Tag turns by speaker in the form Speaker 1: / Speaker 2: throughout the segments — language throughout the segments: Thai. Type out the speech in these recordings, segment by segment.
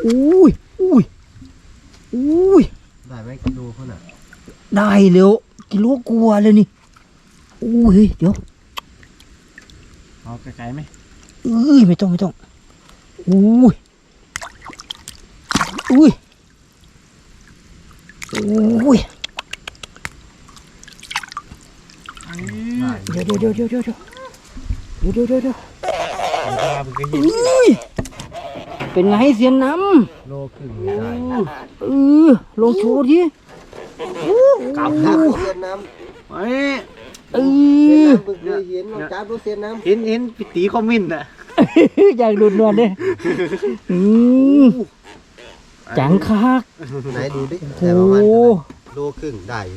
Speaker 1: อุ้ย
Speaker 2: ได้ไหมกิโลเขาน่ะ
Speaker 1: ได้เร็วกิโลกว่าเลยนี่อุ้ยเดี๋ยว
Speaker 3: เอาไกลๆไหม
Speaker 1: ไม่ต้องอุ้ยเดี๋ยวเป็นไงเสียนน้
Speaker 2: ำโลครึ่งได้
Speaker 1: ลงโชว์ที
Speaker 2: กลับเสียนน้ำเสียนน้ำเคยเห็นจับดูเสียนน้ำ
Speaker 3: เห็นปิตีคอมมินต์อ่ะ
Speaker 1: อยากดูดนวลเลยจังคัก
Speaker 2: ไหนดูดิแต่ประมาณโลครึ่งได้อยู่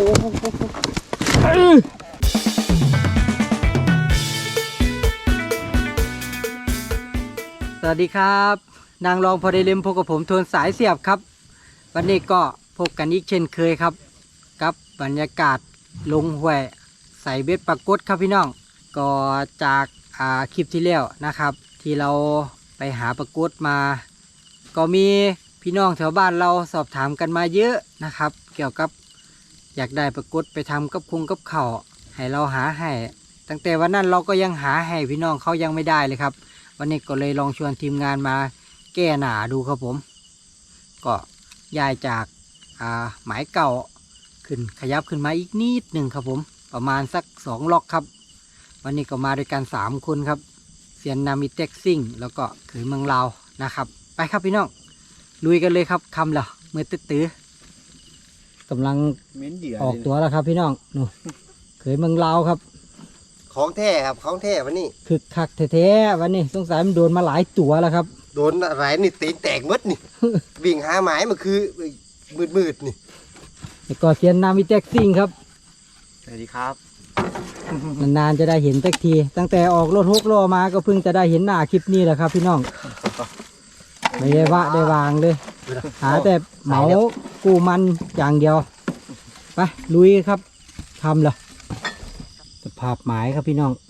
Speaker 1: สวัสดีครับนางรองพอได้เล่มพบกับผมทวนสายเสียบครับวันนี้ก็พบกันอีกเช่นเคยครับกับบรรยากาศลงห้วยใส่เบ็ดปรากฏครับพี่น้องก็จากคลิปที่แล้วนะครับที่เราไปหาปรากฏมาก็มีพี่น้องแถวบ้านเราสอบถามกันมาเยอะนะครับเกี่ยวกับอยากได้ปรากฏไปทำกับคุงกับเข่าให้เราหาให้ตั้งแต่วันนั้นเราก็ยังหาให้พี่น้องเขายังไม่ได้เลยครับวันนี้ก็เลยลองชวนทีมงานมาแก้หนาดูครับผมก็ย้ายจากหมายเก่าขึ้นขยับขึ้นมาอีกนิดหนึ่งครับผมประมาณสัก2 ล็อกครับวันนี้ก็มาด้วยกัน3 คนครับเซียนนามิเต็กซิ่งแล้วก็เขยเมืองลาวนะครับไปครับพี่น้องลุยกันเลยครับคำเหรอเมื่อตื้อกำลังออกตัวแล้วครับพี่น้องนู่เขยเมืองลาวครับ
Speaker 2: ของแท้ครับของแท้วันนี้
Speaker 1: คึกคักแท้ๆวันนี้สงสัยมันโดนมาหลายตัวแล้วครับ
Speaker 2: โดนอะไรนี่ตีแตกมดนี่วิ่งหาหมายมันคือมืดนี่
Speaker 1: แล้วก็เซียนนามิเต็กซิ่งครับ
Speaker 3: สวัสดีครับ
Speaker 1: นานๆจะได้เห็นสักทีตั้งแต่ออกรถ6 ล้อมาก็เพิ่งจะได้เห็นหน้าคลิปนี้แหละครับพี่น้องไม่ได้วะได้วางเลยหาแต่เหมากูมันอย่างเดียวไปลุยครับทำเหรอสภาพหมายครับพี่น้อง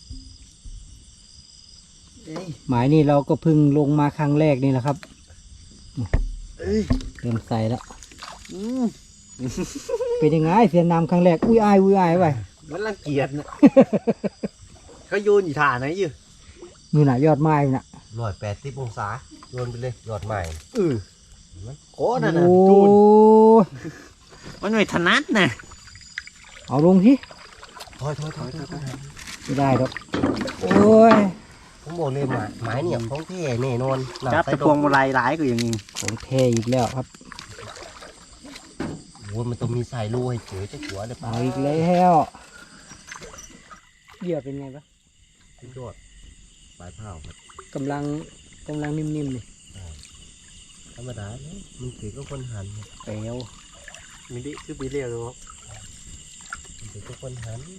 Speaker 1: หมายนี่เราก็เพิ่งลงมาครั้งแรกนี่แหละครับเริ่มใส่แล้วเป็นยังไงเสียนน้ำครั้งแรกอุ้ยอายไป
Speaker 3: มันรังเกียจนะเขาโยนอยู่ฐานไหนอยู่
Speaker 1: มือหน่ะยอดไม้น่ะ
Speaker 2: 180 องศาโยนไปเลยยอดไม้
Speaker 3: โอ้นั่นน่ะจูนมันไม่ถนัดนะ
Speaker 1: เอาลงที่
Speaker 2: ถอย
Speaker 1: ไม่ได้หรอกโอ้ย
Speaker 2: ผมบอกเลยหมายเนี่ยของแท้แน่นอน
Speaker 3: จับตะพวงมาลัยหลายก็อย่างนี้
Speaker 1: ของแท้อีกแล้วครับ
Speaker 2: โอ้มันต้องมีสายรูให้เจอจะหัวเลย
Speaker 1: เอาอีกแล้วเหยื่อเป็นไงปะ
Speaker 2: สุดยอดปลายเผาครับ
Speaker 1: กำลังนิ่มๆเลย
Speaker 2: ธรรมดาเนี่ยมันถือก็คนหัน
Speaker 1: เปลว
Speaker 3: มีดิคือปีเรียวรู้
Speaker 2: มันถือก็คนหัน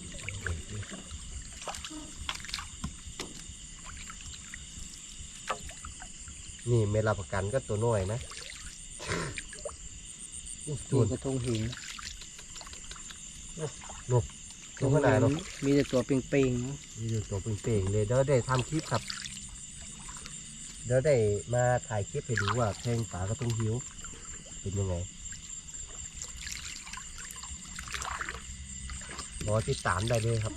Speaker 2: นี่ไม่รับประกันก็ตัวน้อยนะ
Speaker 1: จุดกระทงหิน
Speaker 2: นกขนาดเนาะ
Speaker 1: มีแต่ตัวเป่ง
Speaker 2: ๆมีแต่ตัวเป่งๆเลยเดี๋ยวได้ทำคลิปครับเดี๋ยวได้มาถ่ายคลิปให้ดูว่าแทงปลากระทงหิวเป็นยังไงรอติดตามได้เลยครับ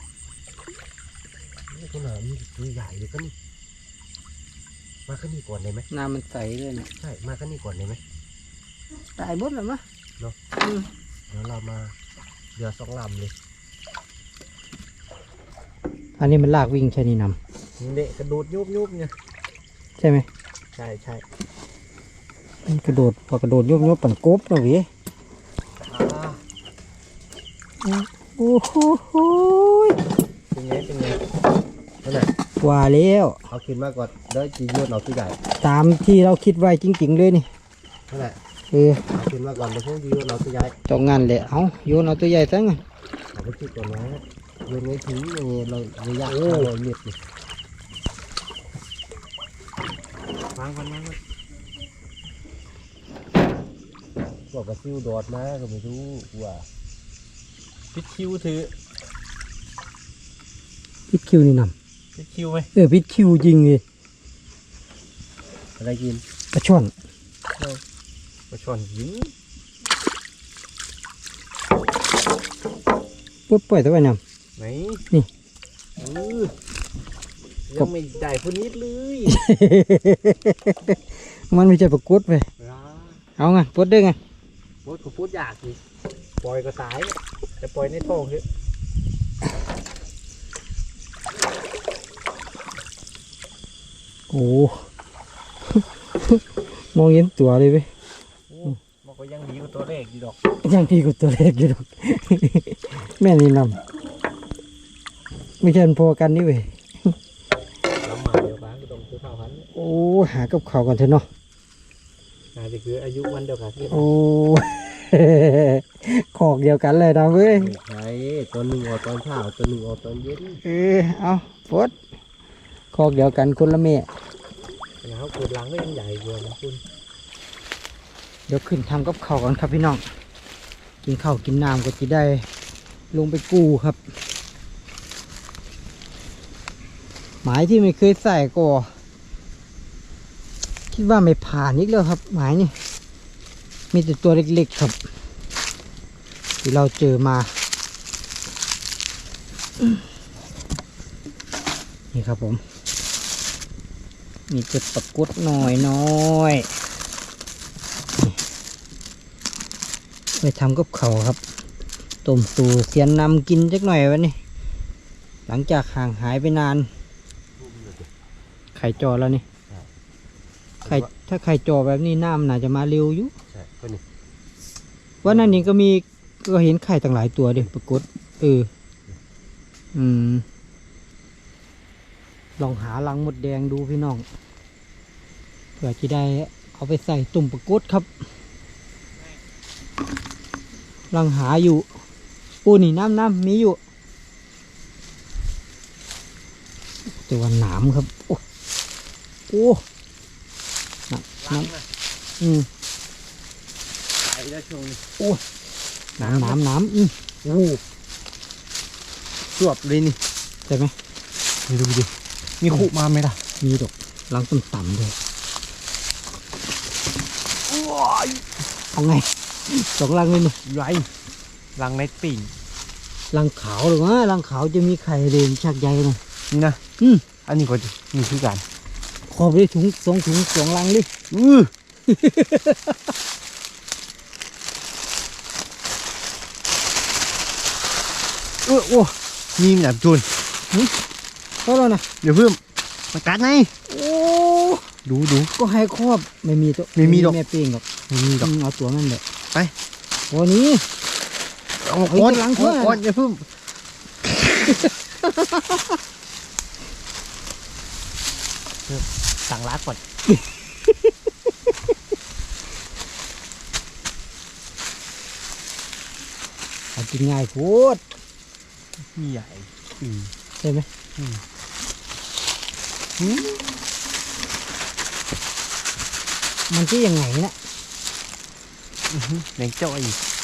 Speaker 2: นี่ขนาดนี้ตัวใหญ่เลยก็นี่มาขึ้นนี่ก่อนได้ไหม
Speaker 1: น้ำมันใสเลยนะ
Speaker 2: ใช่มาขึ้นนี่ก่อนได้ไหม
Speaker 1: ตายหมดแล้วมั้ย
Speaker 2: เนาะเดี๋ยวเรามาเรือ2 ลำเลย
Speaker 1: อันนี้มันลากวิ่งใช่นี่น
Speaker 3: ำเด็กกระโดดยุบเนี่ย
Speaker 1: ใช่ไหม
Speaker 3: ใช่
Speaker 1: กระโดดพอกระโดดยุบปั่นกบนะวิโอ้โห
Speaker 2: เป็นไงนั่นแหละ
Speaker 1: ว่าแล้ว
Speaker 2: เอาขึ้นมาก่อนเดี๋ยวจีโยนเอาตัวใหญ่
Speaker 1: ตามที่เราคิดไว้จริงๆเลยนี่
Speaker 2: นั่นแหละ
Speaker 1: เอา
Speaker 2: ขึ้นมาก่อนเดี๋ยวพวกจีโยนเอาตัวใหญ่
Speaker 1: ตรงงั้นเลยเอาโยนเอาตัวใหญ่ซะงั้น
Speaker 2: เอาไปคิดก่อนนะโยนไว้ถึงเราระยะ500 เมตรนี่
Speaker 3: วาง
Speaker 2: บอกกับซิวดอดมาก็ไม่รู้ว่า
Speaker 3: พิชคิวถือ
Speaker 1: พิชคิวนี่น
Speaker 3: ำพิชคิวไหม
Speaker 1: พิชคิวจริงเลย
Speaker 2: อะไรกิน
Speaker 1: ปลาช่อน
Speaker 3: ปลาช่อนยิง
Speaker 1: ปุ๊บปล่อยตัวไว้น
Speaker 3: ไหน
Speaker 1: นี่
Speaker 3: ยังไม่ได้พนิดเลย
Speaker 1: ำมันไม่ใช่ปลากดไปเอาไงปลดได้ไง
Speaker 3: พูดก็พูดยากสิปล่อยก็ตายจะปล่อยในท้องเถอะ
Speaker 1: โอ้ มองเห็นตัวเลยเว้ย
Speaker 3: มันก็ยังดีกว่าตัวแรกอยู่ดอก
Speaker 1: ยังพี่กูตัวเล็กอยู่ดอก แม่นี่นำไม่ใช่มันพอกันนี่เว้ย
Speaker 3: แล้วมาเดียวกันก็ต้องซื้อข้าวพันธุ์
Speaker 1: โอ้หากับเขาวกันเถอะเนาะ
Speaker 3: น่าจะคืออายุวันเดียวกันที่
Speaker 1: โอ้ ขอกเดียวกันเลยนะเว้ย
Speaker 2: ไม่ใช่ตอนหนึ่งออกตอนเช้าตอนหนึ่งออกตอนเย็น
Speaker 1: เอาปลดขอกเดียวกันคนละแม่
Speaker 3: แล้วเกิดหลังก็ยังใหญ่กว่านะคุณ
Speaker 1: เดี๋ยวขึ้นทำกับเขาวกันครับพี่น้อง กินข้าวกินน้ำก็จะได้ลงไปกู้ครับ หมายที่ไม่เคยใส่ก็ คิดว่าไม่ผ่านอีกแล้วครับ หมายนี่มีแต่ตัวเล็กๆครับ ที่เราเจอมา นี่ครับผม มีจุดปรากฏหน่อยไปทำกับเขาวครับต้มสู่เสียนนำกินจักหน่อยวันนี้หลังจากห่างหายไปนาน ไข่จอแล้วนี่ไข่ถ้าไข่จอแบบนี้น้ำน่าจะมาเร็วอยู่
Speaker 2: ใช่ก็นี่
Speaker 1: ว่านั่นนี่ก็มีก็เห็นไข่ต่างหลายตัวเดิปรากฏลองหารังมดแดงดูพี่น้องเผื่อจะได้เอาไปใส่ตุ่มปรากฏครับลังหาอยู่ปูนี่น้ำมีอยู่แต่ว่าหนามครับโอ้น้ำ
Speaker 3: ตายแล้วช่วงนี้
Speaker 1: น้ำ
Speaker 3: โอ้สวบเลยนี่
Speaker 1: ใช่ไหม
Speaker 3: นี่ดูดิมีขู่มาไหมล่ะ
Speaker 1: มีดอกลังต่ำๆด้วยเอาไงสองลังเลยนี่
Speaker 3: ไรรังในปิ่ง
Speaker 1: ลังขาวหรือวะลังขาวจะมีไข่เด่นชักใหญ่หน่อย
Speaker 3: นี่นะ อันนี้ก็นี่คือกัน
Speaker 1: ขอบเลยถุงสองลังเลย
Speaker 3: โอ้มีมแบบจุน
Speaker 1: เพราะเรานะ
Speaker 3: เดี๋ยวเพิ่มมากัดไง
Speaker 1: โอ้
Speaker 3: ดู
Speaker 1: ก็ให้ครอบไม่มีตัว
Speaker 3: ไม่มีดอก
Speaker 1: แม่เป้งหรอก
Speaker 3: มีดอก
Speaker 1: เอาตัวนั่นแหละ
Speaker 3: ไป
Speaker 1: วันนี้
Speaker 3: เอา
Speaker 1: เอา
Speaker 3: ก้อน
Speaker 1: อีกหลังเถอะ
Speaker 3: ก้อนอย่าเพิ่มสั่งรักก่อน
Speaker 1: เอากินง่ายโคตร
Speaker 3: ใหญ่
Speaker 1: ใช่ไหมมันจะยังไงนะ
Speaker 3: แดงจ้อย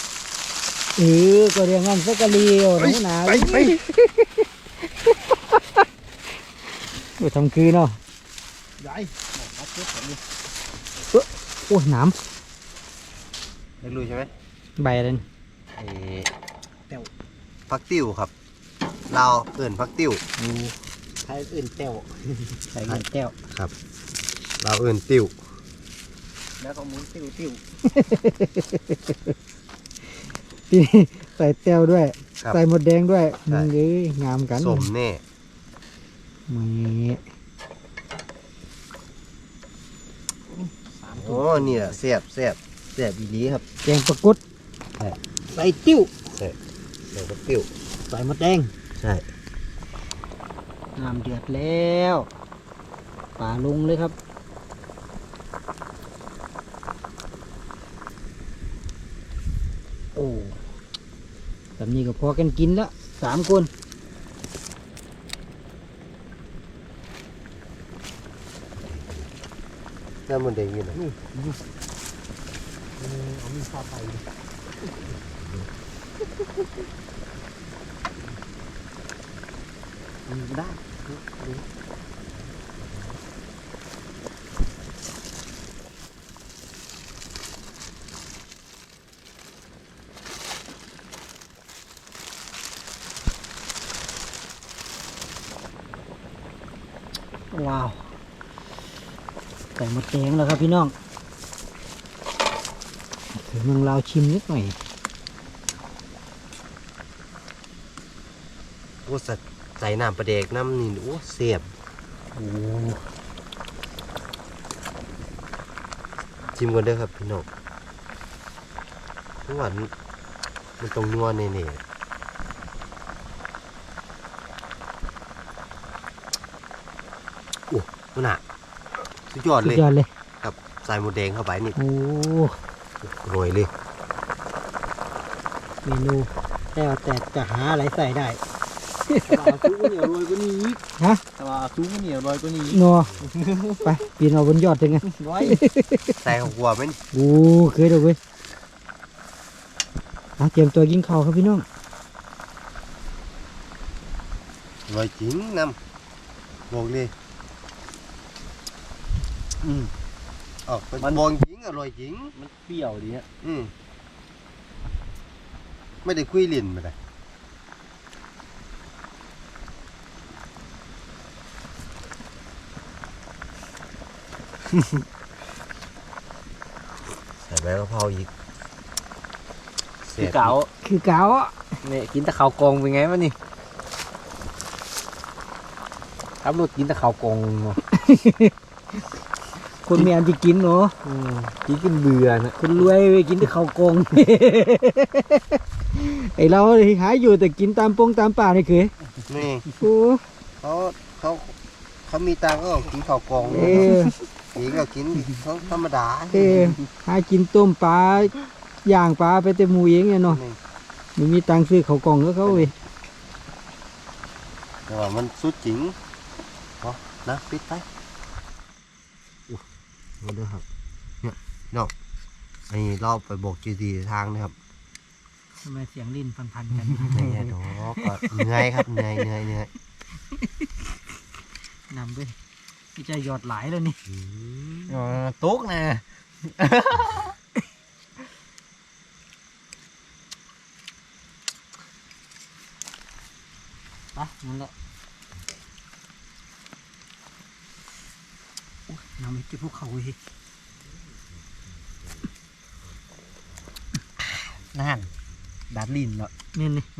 Speaker 1: ก็เรียงงั้นสักกะเลียวหนูหนา
Speaker 3: ไป
Speaker 1: ไปทำคืนเนาะ
Speaker 3: ใหญ่
Speaker 1: โอ้หนาม
Speaker 2: ได้รู้ใช่ไหม
Speaker 1: ใบอะไรนี่
Speaker 2: พักติ้วครับเราเอิ่นพักติ้ว
Speaker 3: ใครอื่นเต้ว
Speaker 1: ใส่เงินแก้ว
Speaker 2: ครับเราเอิ่นติ้ว
Speaker 3: แล้วก็หมุนติ้ว
Speaker 1: ที่ใส่แต้วด้วย
Speaker 2: ครับ
Speaker 1: ใส่หมดแดงด้วย
Speaker 2: ใช่
Speaker 1: มึงเอ้ยงามกัน
Speaker 2: สมแน่
Speaker 1: มี
Speaker 2: โอ้นี่แหละแซ่บอีหลีครับ
Speaker 1: แกงปลากด
Speaker 2: ใช่
Speaker 1: ใส่ติ้ว
Speaker 2: ใส่พักติ้ว
Speaker 1: ใส่หมดแดง
Speaker 2: ใช่
Speaker 1: น้ำเดือดแล้วป่าลงเลยครับโอ้แบบนี้ก็พอกันกินละ3 คน
Speaker 2: น้ำมันแดงอยู่นะ
Speaker 3: เอามีข้าวไปได้
Speaker 1: ว้าวใส่หมดแดงแล้วครับพี่น้องถึงเมืองลาวชิมนิดหน่อย
Speaker 2: โอ้สัตว์ใส่น้ำปลาแดกน้ำนี่โอ้เสียบ
Speaker 1: โอ้
Speaker 2: ชิมก่อนเด้อครับพี่น้องหวานมันตรงนัวเน่ๆโอ้มันหนักสุดยอด
Speaker 1: สุ
Speaker 2: เล
Speaker 1: ด
Speaker 2: ย
Speaker 1: ยอดเลย
Speaker 2: ครับใส่หมูแดงเข้าไปนี่
Speaker 1: โอ้
Speaker 2: โรยเลย
Speaker 1: เมนูแต่จะหาอะไรใส่ได้
Speaker 3: ปลาซูก็เหนียวโรยก็นี่อีก
Speaker 1: ฮะ
Speaker 3: ปลาซูก็เหนียวโรยก็นี่อีก
Speaker 1: นัวไปปีนเอาบนยอดเลยไง
Speaker 3: ไว้
Speaker 2: ใส่ข้าวคั่วไหมนี่
Speaker 1: โอ้เคยดูเว้ยเตรียมตัวกินข้าวครับพี่น้อง
Speaker 2: โรยจริงน้ำบอกเลยออกเป็นบองจริงอร่อยจริง
Speaker 3: มันเปรี้ยวดีฮะ
Speaker 2: ไม่ได้คุยลิ้นมาเลยใส่ใบกะเพราอีก
Speaker 3: คือเก๋า
Speaker 1: คือเก๋าอ่ะ
Speaker 3: เนี่ยกินแต่ข้าวกองเป็นไงวะนี่ครับรถกินแต่ข้าวกองเนาะ
Speaker 1: คนมีอันที่กินเนาะ
Speaker 3: กินกินเบื่อนะ
Speaker 1: คนรวยไปกินแต่ข้าวกง ไอเราหาอยู่แต่กินตามปงตามป่านี่คือ
Speaker 2: นี่
Speaker 1: โอ้
Speaker 2: เขาเขามีตังค์ก็กินข้าวกล่อง
Speaker 1: เออ
Speaker 2: กินก็กินเขาธรรมดา
Speaker 1: เออหากินต้มปลาย่างปลาไปแต่หมูเองเนี่ยเนาะ
Speaker 2: นี่
Speaker 1: ไม่มีตังค์ซื้อข้าวกล่องก็เขาเว้ย
Speaker 2: แต่ว่ามันสุดจริงพอนะปิดไปมาดูครับเนี่ยเนาะอันนี้เราไปบอกจีดีทางนะครับ
Speaker 1: ทำไมเสียงลิ้นพันๆกัน
Speaker 2: เนี่ยดอกก็เหนื่อยครับเหนื่อย
Speaker 1: นำด้วยที่จะหยอดหลายแล้วนี่
Speaker 3: ตุ๊กนะ
Speaker 1: ไปนั่นแหละโอ้ยน้ำไม่เก็บพวกเขาเว้ย
Speaker 3: นั่นดัดลิ้นเนาะ
Speaker 1: เนี่ยนี่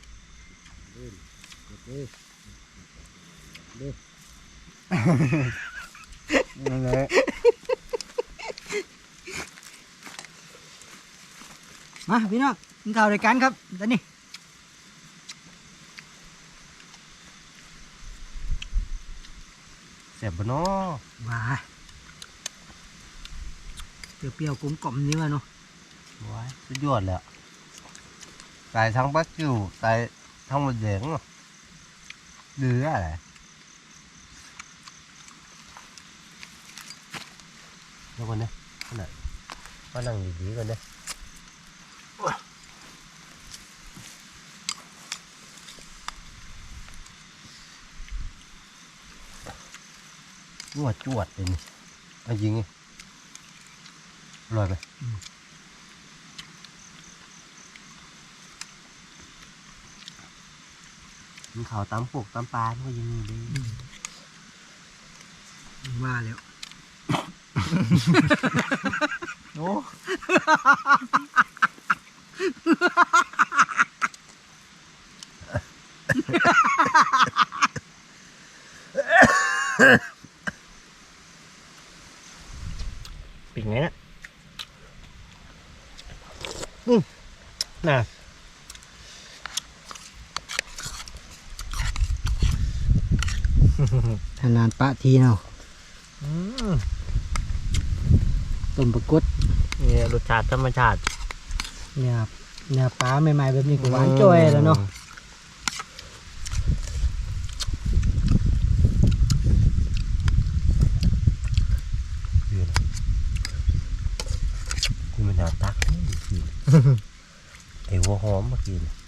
Speaker 3: นั่นแหละ
Speaker 1: มาพี่น้องกินข้าวด้วยกันครับตอนนี้
Speaker 2: เสียบบ่เนาะ
Speaker 1: ว้าเปรี้ยวๆกลมกล่อมนี่วะเนาะ
Speaker 2: ว้ายสุดยอดเลยอะใส่ทั้งบักกิ้วใส่ทั้งหมดแดงเนาะเหลืออะไรเดี๋ยวก่อนนะขนาดมานั่งดีๆก่อนนะจวดเลยนี่เอายิงไงอร่อยไหมมันเขาตำปกตำปลามันก็ยังมีเลย
Speaker 1: ว่าแล้ว
Speaker 3: โอ้ ปิดไงนะน่ะ
Speaker 1: นานๆปะทีเนาะต้มปลากด
Speaker 3: นี่รสชาติธรรมชาติ
Speaker 1: เนี่ยปลาใหม่ๆแบบนี้ก็หวานจ้อยแล้วเนาะ
Speaker 2: คุณมันหนาตักไอ้หัวหอมเมื่อกี้เนี่ย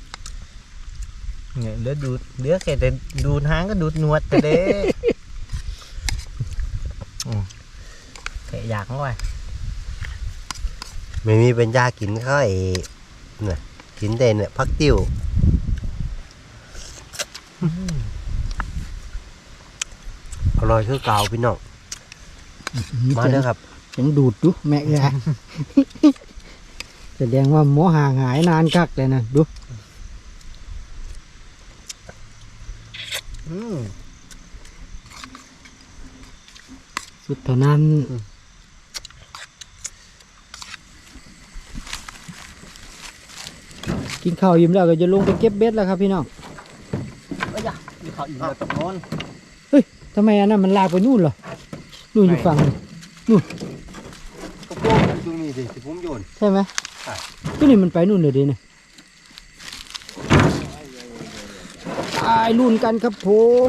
Speaker 3: เนี่ยเหลือดูดเหลือแค่แต่ดูดหางก็ดูดหนวดแต่เด้ แค่อยากเข้าไป
Speaker 2: ไม่มีเป็นยากินเขาไอ้เนี่ยกินแต่เนี่ยพักติ้วอร่อยคือเก่าพี่น้องมาเด้อครับ
Speaker 1: ยังดูดดูแม่เอ้ย แสดงว่าหมอห่างหายนานคักเลยนะดู สุดเท่านั้นกินข้าวอิ่มแล้วก็จะลงไปเก็บเบ็ดแล้วครับพี่น้อง
Speaker 3: มีเขาอยู่ตรงโน้น
Speaker 1: ทำไมอันนั้นมันลากไปนู่นเหรอนู่นอยู่ฝั่งนู้น
Speaker 2: ก็โป้งตรงนี้ดิที่ผมโยน
Speaker 1: ใช่ไหม
Speaker 2: ใช่
Speaker 1: ก็นี่มันไปนู่นเลยดิเนี่ยตายรุ่นกันครับผม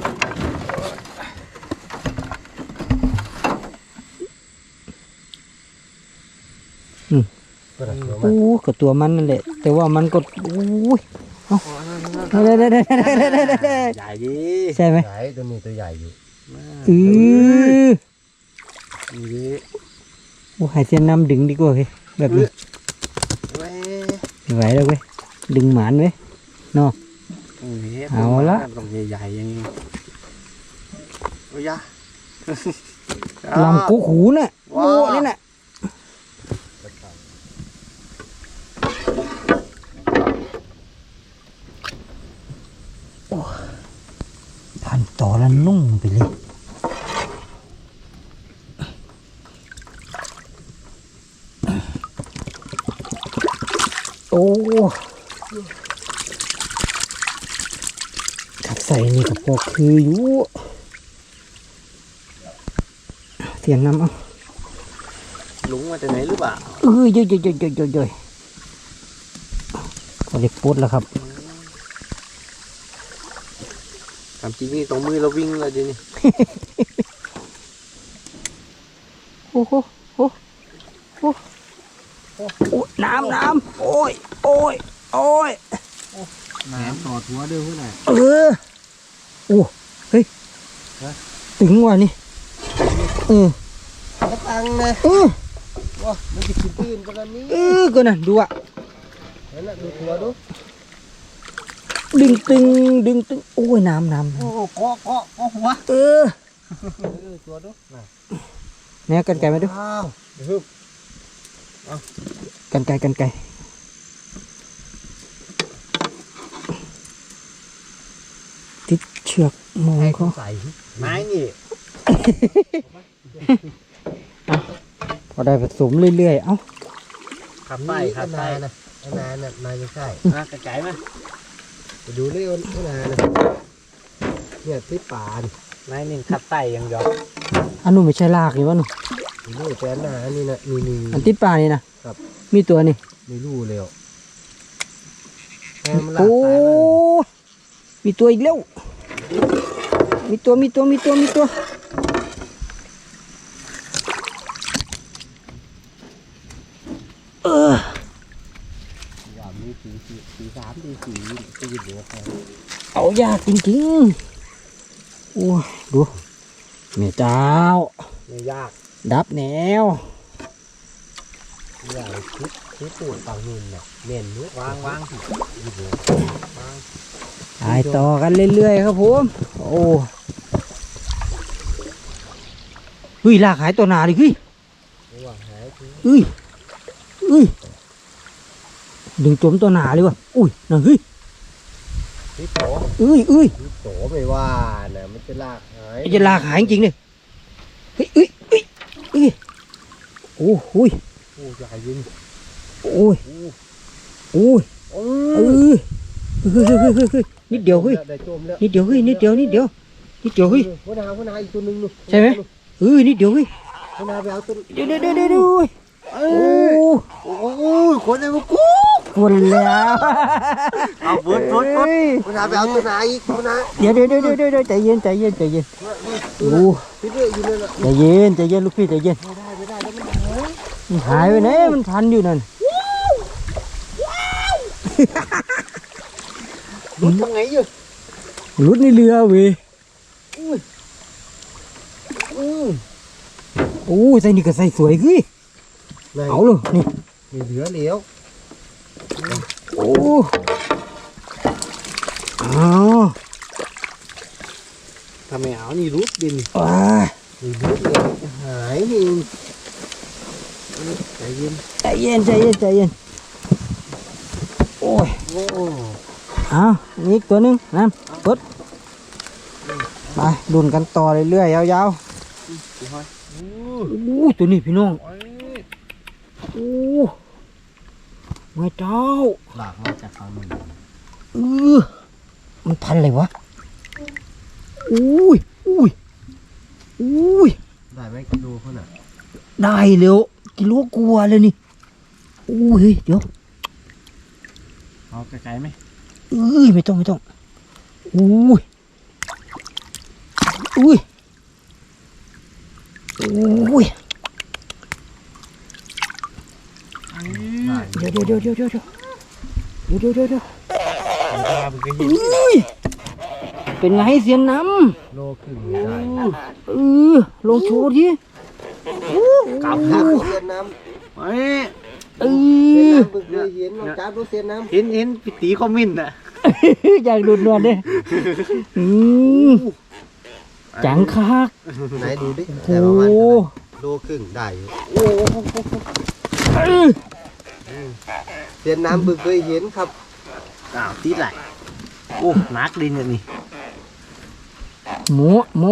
Speaker 1: โอ้กับตัวมันนั่นแหละแต่ว่ามันก็โอ้ยเอาได้
Speaker 3: ใหญ่ดี
Speaker 1: ใช่ไหม
Speaker 2: ใหญ่ตัวนี้ตัวใหญ่อยู่
Speaker 3: นี่
Speaker 1: โอ้หายเส้นน้ำดึงดีกว่าเฮ้ยแบบนี้
Speaker 3: เว้ย
Speaker 1: ไม่ไหวแล้วเว้ยดึงหมานเว้ยเนาะ เอาละ
Speaker 3: ตรงใหญ่ๆอย่างนี้โอ้ยะ
Speaker 1: ลำกุหูน่ะโอ้นี่น่ะพันต่อแล้วนุ่งไปเลยโอ้ขับใส่นี่กับพอคืออยู่เสียงน้ำเอา
Speaker 3: ลุงมาจากไหนหรือเปล่า
Speaker 1: เยอะก็เล็กปุ๊ดแล้วครับ
Speaker 3: ทำจริงนี่ตรงมือเราวิ่งเลยดินี่
Speaker 1: โอ้โหน้ำโอ้ย
Speaker 2: แหนตอดหัวเด้อเพื่อน
Speaker 1: โอ้เฮ้ยตึงว่ะนี่
Speaker 2: กระตังนะว้ามันจะกินตื่นกันแล้วนี่
Speaker 1: ก็น่ะดูอ่ะ
Speaker 2: นั่นแหละดูหัวดู
Speaker 1: ดึงตึงโอ้ยน้ำ
Speaker 3: โอ้เกาะหัว
Speaker 2: ตัวดู
Speaker 1: เนี่ยกันไก่มาดู
Speaker 2: อ้าวฮึบ
Speaker 1: กันไก่ติดเชือกมอง
Speaker 2: ให้
Speaker 1: เขา
Speaker 2: ใส่
Speaker 3: ไม้นี่
Speaker 1: พอได้ผสมเรื่อยๆเอ้า
Speaker 3: ขับไปขับไป
Speaker 2: นะนานน่ะนานจะใช่
Speaker 3: กระจายมา
Speaker 2: ไปดูเรื่องนานนะเนี่ยที่ป่านี่
Speaker 3: ไม้นี่ขับไปอย่างเดียว
Speaker 1: อันนู้นไม่ใช่ลากนี่วะหนู
Speaker 2: นี่แฟนนานี่นะนี่
Speaker 1: อันติดปลานี่นะครับ มีตัวนี่
Speaker 2: ไม่รู้เลยแฟนมันลาก
Speaker 1: โอ้
Speaker 2: สายมา
Speaker 1: มีตัวอีกแล้วมีตัว
Speaker 2: ว่ามีสีสามสีสี่ตีเหลือแฟน
Speaker 1: เอายากจริงๆโอ้ยดูแม่เจ้า
Speaker 2: ไม่ยาก
Speaker 1: ดับแนว
Speaker 2: ใหญ่คิดตูดฝั่งนู้นน่ะเน่นนู้น
Speaker 3: วาง
Speaker 2: ยืดเหลือ
Speaker 1: ตายต่อกันเรื่อยๆครับผมโอ้เฮ้ยลากหายตัวหนาดิเฮ้ย
Speaker 2: ระหว่างหายคือ
Speaker 1: เอ้ยดึงจมตัวหนาเลยวะอุ้ยนั่นเฮ้ย
Speaker 2: ที่โต
Speaker 1: เอ้ย
Speaker 2: ที่โตไม่ว่าน่ะมันจะลากหาย
Speaker 1: จะลากหายจริงเลยเฮ้ยโอ้โหย
Speaker 2: โอ้ใหญ่ยิง
Speaker 1: โอ้ยเนิดเดียวเฮ้ย
Speaker 2: ได้โจมแล้ว
Speaker 1: นิดเดียวเฮ้ย
Speaker 2: หัวนาอีกตัวนึงนู่น
Speaker 1: ใช่ไหม นิดเดียวเฮ้ย
Speaker 2: หัวนาไปเอาตัว
Speaker 1: เดี๋ยวโอ้
Speaker 2: โอ้คนในมุกกู
Speaker 1: คนแล้ว
Speaker 3: เอาบุด
Speaker 2: หัวนาไปเอาตัวนาอีกหัวนา
Speaker 1: เดี๋ยวใจเย็นโอ้
Speaker 2: พี่เรื่อยอยู่นั่นแหละ
Speaker 1: ใจเย็นลูกพี่ใจเย็น
Speaker 2: ไม่ได้แล้วมันหาย
Speaker 1: มันหายไปไหนมันทันอยู่นั่น
Speaker 2: ลุดทำไงอยู่
Speaker 1: รุดในเรือเว้ยโอ้ใส่นี่ก็ใส่สวยเฮ้ยเอาเลยนี่
Speaker 2: มีเหลือเหลียว
Speaker 1: โอ้อ้าว
Speaker 2: ทถ้าไม่เอานี่รุดดิน
Speaker 1: ว้า
Speaker 2: นี่รุดเลยหายนี่ใจเย็น
Speaker 1: ใจเย็นใจเย็นใจเย็นโอ้ย
Speaker 2: โอ้
Speaker 1: เอานี่อีกตัวหนึงนั่นกดไปดุนกันต่อเรื่อยๆยาวๆโอ้ตัวนี้พี่น้องโอ้ไม่เจ้า
Speaker 2: หลากมาจากฝั่งนู้น
Speaker 1: เออมันพันอะไรวะอุ้ยอุ้ยอุ้ย
Speaker 2: ได้ไหมกิโลเขาน่ะ
Speaker 1: ได้เร็วกิโลกว่าเลยนี่อุ้ยเดี๋ยว
Speaker 3: เอาไกลๆไหม
Speaker 1: เอ้ยไม่ต้องอุ้ยอุ้ยอุ้ย
Speaker 2: ได้
Speaker 1: เดี๋ยวเอ้ยเป็นไงเสียนน้
Speaker 2: โลครึ่งได้
Speaker 1: ำลงโชว์ที
Speaker 2: กลับครับเสียน้ำ
Speaker 3: เฮ้ย
Speaker 2: เสียน้ำบึกเลยเห็นลองจับดูเสียน้ำ
Speaker 3: เห็นพี่ตีคอมเมนต์อ่ะ
Speaker 1: อยากดูดนวลดิจังคัก
Speaker 2: ไหนดูดิ
Speaker 1: โอ้
Speaker 2: แต่ประมาณเท่าไหร่โลครึ่งได้อยู่เสียน้ำบึกเลยเห็นครับ
Speaker 3: อ้าวตีไหลโอ้นักดินอย่างนี้
Speaker 1: หมู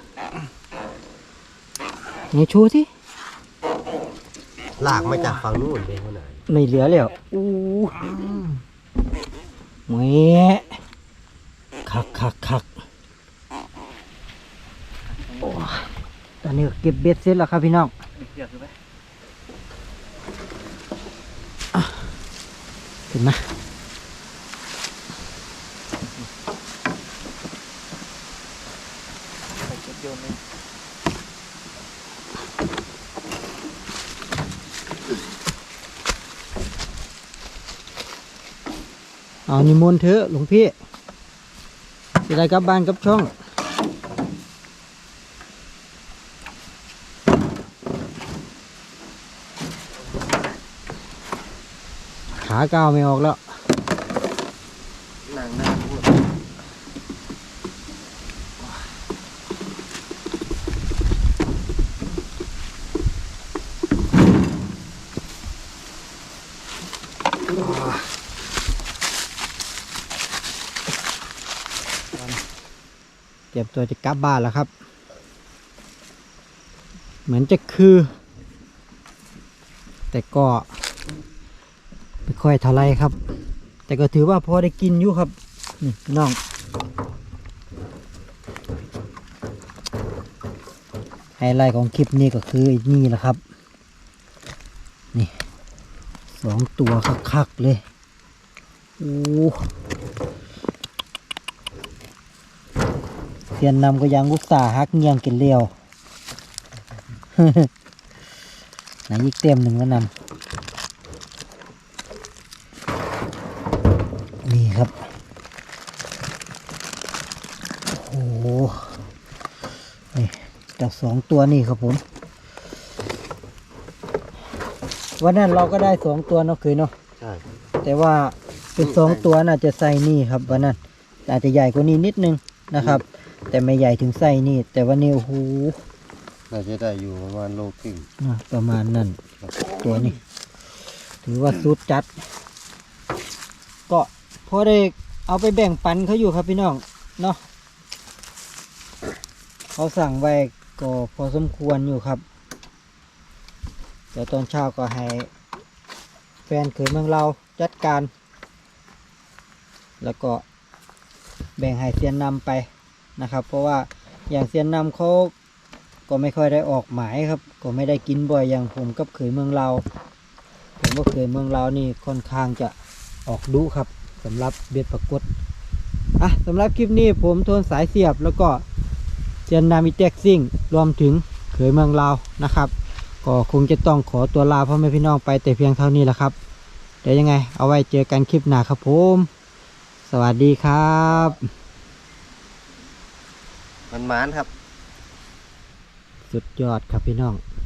Speaker 1: ไหนโชว์สิ
Speaker 2: ลากมาจากฝั่งนู้นเป็นเท่าไหร่
Speaker 1: ไม่เหลือแล้วแหม่คักโอ้ยตอนนี้ก็เก็บเบ็ดเสร็จแล้วครับพี่น้องเห็นไหมเอานิมนต์เถอะหลวงพี่จะได้กลับบ้านกลับช่อง ขาก้าวไม่ออกแล้ว
Speaker 2: หนังหน้าพูด
Speaker 1: เตรียมตัวจะกลับบ้านแล้วครับ เหมือนจะคือ แต่ก็ไม่ค่อยเท่าไรครับ แต่ก็ถือว่าพอได้กินอยู่ครับนี่พี่น้องไฮไลท์ของคลิปนี้ก็คือนี่แหละครับนี่2 ตัวคักๆเลยโอ้เสียนนำก็ยังอุตส่าห์ฮักเงียงกินเลี้ยว ไหนอีกเต็มหนึ่งแล้วนำนี่ครับโอ้โหนี่จาก2 ตัวนี่ครับผมวันนั้นเราก็ได้2 ตัวเนาะเคยเนาะ
Speaker 2: ใช่
Speaker 1: แต่ว่าเป็น2 ตัวน่าจะใส่นี่ครับวันนั้นอาจจะใหญ่กว่านี้นิดนึงนะครับ แต่ไม่ใหญ่ถึงไส้นี่แต่ว่านี่โอ้โห
Speaker 2: น่าจะได้อยู่ประมาณโลครึ่ง
Speaker 1: ประมาณนั้นตัวนี้ ถือว่าสุดจัด ก็พอได้เอาไปแบ่งปันเขาอยู่ครับพี่น้องเนาะเขาสั่งไว้ก็พอสมควรอยู่ครับเดี๋ยวตอนเช้าก็ให้แฟนเขยเมืองเราจัดการ แล้วก็แบ่งให้เซียนนำไปนะครับ เพราะว่าอย่างเซียนนำเขาก็ไม่ค่อยได้ออกหมายครับ ก็ไม่ได้กินบ่อยอย่างผมกับเขยเมืองเราผมว่าเขยเมืองเรานี่ค่อนข้างจะออกดุครับสำหรับเบ็ดปรากฏสำหรับคลิปนี้ผมโทนสายเสียบแล้วก็เซียนนามิเต็กซิ่งรวมถึงเขยเมืองเรานะครับ ก็คงจะต้องขอตัวลาพ่อแม่พี่น้องไปแต่เพียงเท่านี้แหละครับเดี๋ยวยังไงเอาไว้เจอกันคลิปหน้าครับผมสวัสดีครับ
Speaker 2: มันๆครับ
Speaker 1: สุดยอดครับพี่น้อง